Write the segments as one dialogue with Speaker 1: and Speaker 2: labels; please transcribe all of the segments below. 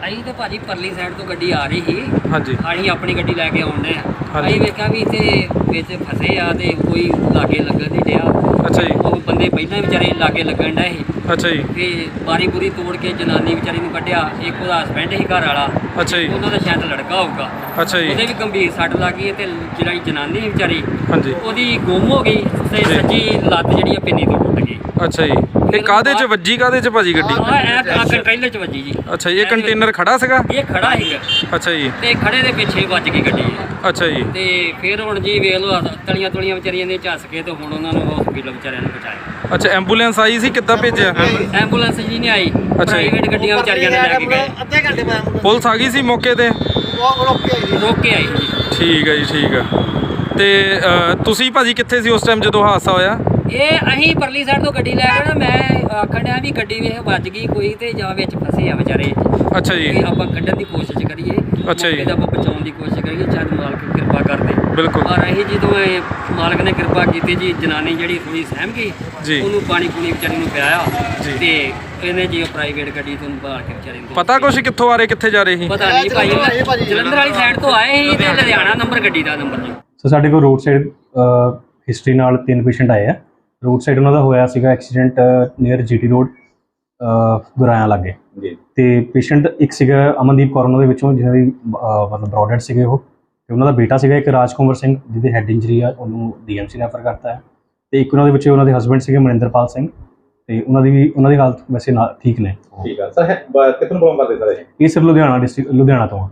Speaker 1: ਅਸੀਂ ਤੇ ਭਾਜੀ ਪਰਲੀ ਸਾਈਡ ਤੋਂ ਗੱਡੀ ਆ ਰਹੀ ਸੀ।
Speaker 2: ਹਾਂਜੀ
Speaker 1: ਅਸੀਂ ਆਪਣੀ ਗੱਡੀ ਲੈ ਕੇ ਆਉਂਦੇ ਆ।
Speaker 2: ਹਾਂਜੀ।
Speaker 1: ਅਸੀਂ ਵੇਖਿਆ ਵੀ ਇੱਥੇ ਵਿੱਚ ਫਸੇ ਆ ਤੇ ਕੋਈ ਲਾਗੇ ਲੱਗਣ ਨਹੀਂ ਡਿਆ।
Speaker 2: ਅੱਛਾ ਜੀ
Speaker 1: ਉਹ ਬੰਦੇ ਪਹਿਲਾਂ ਵਿਚਾਰੇ ਲਾਗੇ ਲੱਗਣ ਡਏ ਸੀ
Speaker 2: ਅੱਛਾ ਜੀ
Speaker 1: ਤੇ ਬਾਰੀ ਬੁਰੀ ਤੋੜ ਕੇ ਜਨਾਨੀ ਵਿਚਾਰੀ ਨੂੰ ਕੱਢਿਆ। ਇੱਕ ਉਹਦਾ ਹਸਬੈਂਡ ਸੀ ਘਰ ਵਾਲਾ,
Speaker 2: ਅੱਛਾ ਜੀ
Speaker 1: ਉਹਨਾਂ ਦਾ ਸ਼ਾਇਦ ਲੜਕਾ ਹੋਊਗਾ।
Speaker 2: ਅੱਛਾ ਜੀ
Speaker 1: ਉਹਦੇ ਵੀ ਗੰਭੀਰ ਸੱਟ ਲੱਗ ਗਈ ਤੇ ਜਿਹੜੀ ਜਨਾਨੀ ਸੀ ਵਿਚਾਰੀ
Speaker 2: ਹਾਂਜੀ
Speaker 1: ਉਹਦੀ ਗੁੰਮ ਹੋ ਗਈ ਤੇ
Speaker 2: ਜੀ।
Speaker 1: ਸੱਜੀ ਲੱਤ ਜਿਹੜੀ ਆ ਪਿੰਨੀ ਤੋਂ ਟੁੱਟ ਗਈ।
Speaker 2: ਅੱਛਾ ਜੀ ਇਹ ਕਾਹਦੇ ਚ ਵੱਜੀ ਕਾਹਦੇ ਚ ਭਾਜੀ ਗੱਡੀ?
Speaker 1: ਆ ਕੰਟੇਨਰ ਚ ਵੱਜੀ ਜੀ।
Speaker 2: ਅੱਛਾ ਜੀ ਇਹ ਕੰਟੇਨਰ ਖੜਾ ਸੀਗਾ?
Speaker 1: ਇਹ ਖੜਾ ਸੀਗਾ
Speaker 2: ਅੱਛਾ ਜੀ
Speaker 1: ਤੇ ਖੜੇ ਦੇ ਪਿੱਛੇ ਵੱਜ ਗਈ ਗੱਡੀ।
Speaker 2: ਅੱਛਾ ਜੀ
Speaker 1: ਤੇ ਫਿਰ ਹੁਣ ਜੀ ਵੇਖ ਲਓ ਤਲੀਆਂ ਤੁਲੀਆਂ ਵਿਚਾਰੀਆਂ ਨੇ ਝੱਸ ਕੇ ਤੇ ਹੁਣ ਉਹਨਾਂ ਨੂੰ ਹਸਪੀਟਲ ਵਿਚਾਰਿਆਂ ਨੂੰ ਪਹੁੰਚਾਇਆ।
Speaker 2: ਅੱਛਾ ਐਂਬੂਲੈਂਸ ਆਈ ਸੀ ਕਿੱਦਾਂ ਭੇਜਿਆ?
Speaker 1: ਐਂਬੂਲੈਂਸ ਜੀ ਨਹੀਂ ਆਈ,
Speaker 2: ਅੱਛਾ ਜੀ।
Speaker 1: ਪ੍ਰਾਈਵੇਟ ਗੱਡੀਆਂ ਵਿਚਾਰੀਆਂ ਨੇ ਲੈ ਕੇ ਗਏ।
Speaker 3: ਅੱਧੇ ਘੰਟੇ ਬਾਅਦ
Speaker 2: ਪੁਲਿਸ ਆ ਗਈ ਸੀ ਮੌਕੇ ਤੇ?
Speaker 1: ਰੋਕ ਕੇ ਆਈ ਜੀ।
Speaker 2: ਠੀਕ ਹੈ ਜੀ ਠੀਕ ਆ। ਤੇ ਤੁਸੀਂ ਭਾਜੀ ਕਿੱਥੇ ਸੀ ਉਸ ਟਾਈਮ ਜਦੋਂ ਹਾਦਸਾ ਹੋਇਆ?
Speaker 1: ਇਹ ਅਸੀਂ ਪਰਲੀ ਸਾਈਡ ਤੋਂ ਗੱਡੀ ਲੈ ਕੇ ਨਾ ਮੈਂ ਆਖਣ ਡਿਆ ਵੀ ਗੱਡੀ ਵੇਖ ਵੱਜ ਗਈ ਕੋਈ ਤੇ ਜਾਂ ਵਿੱਚ ਫਸੇ ਆ ਵਿਚਾਰੇ।
Speaker 2: ਅੱਛਾ ਜੀ
Speaker 1: ਤੇ ਆਪਾਂ ਕੱਢਣ ਦੀ ਕੋਸ਼ਿਸ਼ ਕਰੀਏ।
Speaker 2: ਅੱਛਾ ਜੀ।
Speaker 1: ਮੌਕੇ ਤੇ ਆਪਾਂ ਬਚਾਉਣ ਦੀ ਕੋਸ਼ਿਸ਼ ਕਰੀਏ, ਸ਼ਾਇਦ ਮਾਲਕ ਕਿਰਪਾ ਕਰਦੇ।
Speaker 2: ਬਿਲਕੁਲ।
Speaker 1: ਪਰ ਅਸੀਂ ਜਦੋਂ ਇਹ ਮਾਲਕ ਨੇ ਕਿਰਪਾ ਕੀਤੀ ਜੀ, ਜਨਾਨੀ ਜਿਹੜੀ ਥੋੜੀ ਸਹਿਮ ਗਈ,
Speaker 2: ਜੀ।
Speaker 1: ਉਹਨੂੰ ਪਾਣੀ ਪੂਣੀ ਵਿਚਾਰੀ ਨੂੰ ਪਿਆਇਆ
Speaker 2: ਜੀ।
Speaker 1: ਤੇ ਇਹਨੇ ਜੀ ਪ੍ਰਾਈਵੇਟ ਗੱਡੀ ਤੋਂ ਬਾਹਰ ਕੇ ਵਿਚਾਰੇ ਨੂੰ
Speaker 2: ਪਤਾ ਕੁਛ ਕਿੱਥੋਂ ਆ ਰਹੇ ਕਿੱਥੇ ਜਾ ਰਹੇ ਸੀ?
Speaker 1: ਪਤਾ ਨਹੀਂ ਭਾਈ, ਜਲੰਧਰ ਵਾਲੀ ਸਾਈਡ ਤੋਂ ਆਏ ਸੀ ਤੇ ਲੁਧਿਆਣਾ ਨੰਬਰ ਗੱਡੀ ਦਾ ਨੰਬਰ ਜੀ।
Speaker 4: ਸੋ ਸਾਡੇ ਕੋਲ ਰੋਡ ਸਾਈਡ ਹਿਸਟਰੀ ਨਾਲ 3 ਪੇਸ਼ੈਂਟ ਆਏ ਆ। ਰੋਡ ਸਾਈਡ ਉਹਨਾਂ ਦਾ ਹੋਇਆ ਸੀਗਾ accident near GT road Guraya ਲਾਗੇ ਜੀ। ਤੇ ਪੇਸ਼ੈਂਟ ਇੱਕ ਸੀਗਾ ਅਮਨਦੀਪ ਕੌਰ, ਉਹਨਾਂ ਦੇ ਵਿੱਚੋਂ ਜਿਹਨਾਂ ਦੀ ਮਤਲਬ ਬ੍ਰੌਡਡ ਸੀਗੇ ਉਹ, ਤੇ ਉਹਨਾਂ ਦਾ ਬੇਟਾ ਸੀਗਾ ਇੱਕ ਰਾਜਕੁਮਾਰ ਸਿੰਘ ਜਿਹਦੇ ਹੈਡ ਇੰਜਰੀ ਆ, ਉਹਨੂੰ ਡੀਐਮਸੀ ਰੈਫਰ ਕਰਤਾ ਹੈ। ਤੇ ਇੱਕ ਉਹਨਾਂ ਦੇ ਵਿੱਚ ਉਹਨਾਂ ਦੇ ਹਸਬੈਂਡ ਸੀਗੇ ਮਨਿੰਦਰਪਾਲ ਸਿੰਘ, ਤੇ ਉਹਨਾਂ ਦੀ ਹਾਲਤ ਵੈਸੇ ਠੀਕ ਨੇ।
Speaker 5: ਠੀਕ ਆ ਸਰ। ਕਿੱਥੋਂ ਬਿਲੋਂਗ ਕਰਦੇ ਸਰ?
Speaker 4: ਇਹ ਸਰ ਲੁਧਿਆਣਾ ਡਿਸਟ੍ਰਿਕਟ ਲੁਧਿਆਣਾ ਤੋਂ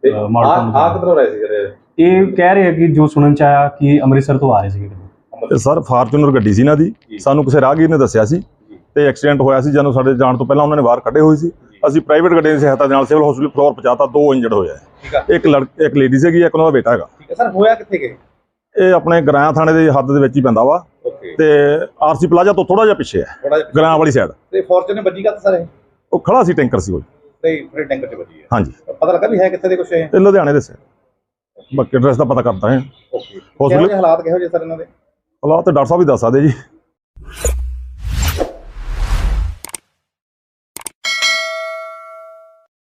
Speaker 5: ਆ ਕਿੱਧਰੋਂ ਰਹੇ ਸੀ?
Speaker 4: ਇਹ ਕਹਿ ਰਹੇ ਆ ਕਿ ਜੋ ਸੁਣਨ ਚ ਆਇਆ ਕਿ ਅੰਮ੍ਰਿਤਸਰ ਤੋਂ ਆ ਰਹੇ ਸੀਗੇ।
Speaker 6: ਸਰ ਫਾਰਚੂਨਰ ਗੱਡੀ ਸੀ ਇਹਨਾਂ ਦੀ, ਸਾਨੂੰ ਕਿਸੇ ਰਾਹਗੀਰ ਨੇ ਦੱਸਿਆ ਸੀ ਤੇ ਐਕਸੀਡੈਂਟ ਹੋਇਆ ਸੀ। ਜਦੋਂ ਸਾਡੇ ਜਾਣ ਤੋਂ ਪਹਿਲਾਂ ਉਹਨਾਂ ਨੇ ਬਾਹਰ ਕੱਢੇ ਹੋਏ ਸੀ। ਅਸੀਂ ਪ੍ਰਾਈਵੇਟ ਗੱਡੀ ਦੀ ਸਹਾਇਤਾ ਦੇ ਨਾਲ ਸਿਵਲ ਹਸਪੀਟਲ ਫਲੋਰ ਪਹੁੰਚਾਤਾ। 2 ਇੰਜਰਡ ਹੋਏ ਆ, ਇੱਕ ਲੇਡੀ ਸੀਗੀ, ਇੱਕ ਉਹਨਾਂ ਦਾ ਬੇਟਾ ਹੈਗਾ।
Speaker 5: ਠੀਕ ਹੈ ਸਰ। ਹੋਇਆ ਕਿੱਥੇ ਗਏ?
Speaker 6: ਇਹ ਆਪਣੇ ਗਰਾਇਆ ਥਾਣੇ ਦੇ ਹੱਦ ਦੇ ਵਿੱਚ ਹੀ ਪੈਂਦਾ ਵਾ ਤੇ ਆਰਸੀ ਪਲਾਜ਼ਾ ਤੋਂ ਥੋੜਾ ਜਿਹਾ ਪਿੱਛੇ ਹੈ, ਗਰਾਇਆ ਵਾਲੀ ਸਾਈਡ।
Speaker 5: ਤੇ ਫੋਰਚੂਨਰ ਵੱਜੀ ਕਾ ਸਰ?
Speaker 6: ਉਹ ਖੜਾ ਸੀ ਟੈਂਕਰ ਸੀ ਕੋਈ।
Speaker 5: ਤੇ ਫਿਰ ਟੈਂਕਰ 'ਚ ਵੱਜੀ ਹੈ।
Speaker 6: ਹਾਂਜੀ।
Speaker 5: ਪਤਾ ਲੱਗਾ ਵੀ ਹੈ ਕਿੱਥੇ ਦੇ ਕੁਛ ਇਹ?
Speaker 6: ਇਹ ਲੁਧਿਆਣੇ ਦੇ ਸੀ। ਬਾਕੀ ਐਡਰੈਸ ਦਾ ਪਤਾ ਕਰਦਾ ਹੈ।
Speaker 5: ਓਕੇ। ਹਾਲਾਤ ਕਿਹੋ ਜਿਹੇ ਸਰ ਇਹਨਾਂ ਦੇ?
Speaker 6: ਹਾਲਾਤ ਤੇ ਡਾਕਟਰ ਸਾਹਿਬ ਵੀ ਦੱਸ ਸਕਦੇ ਜੀ।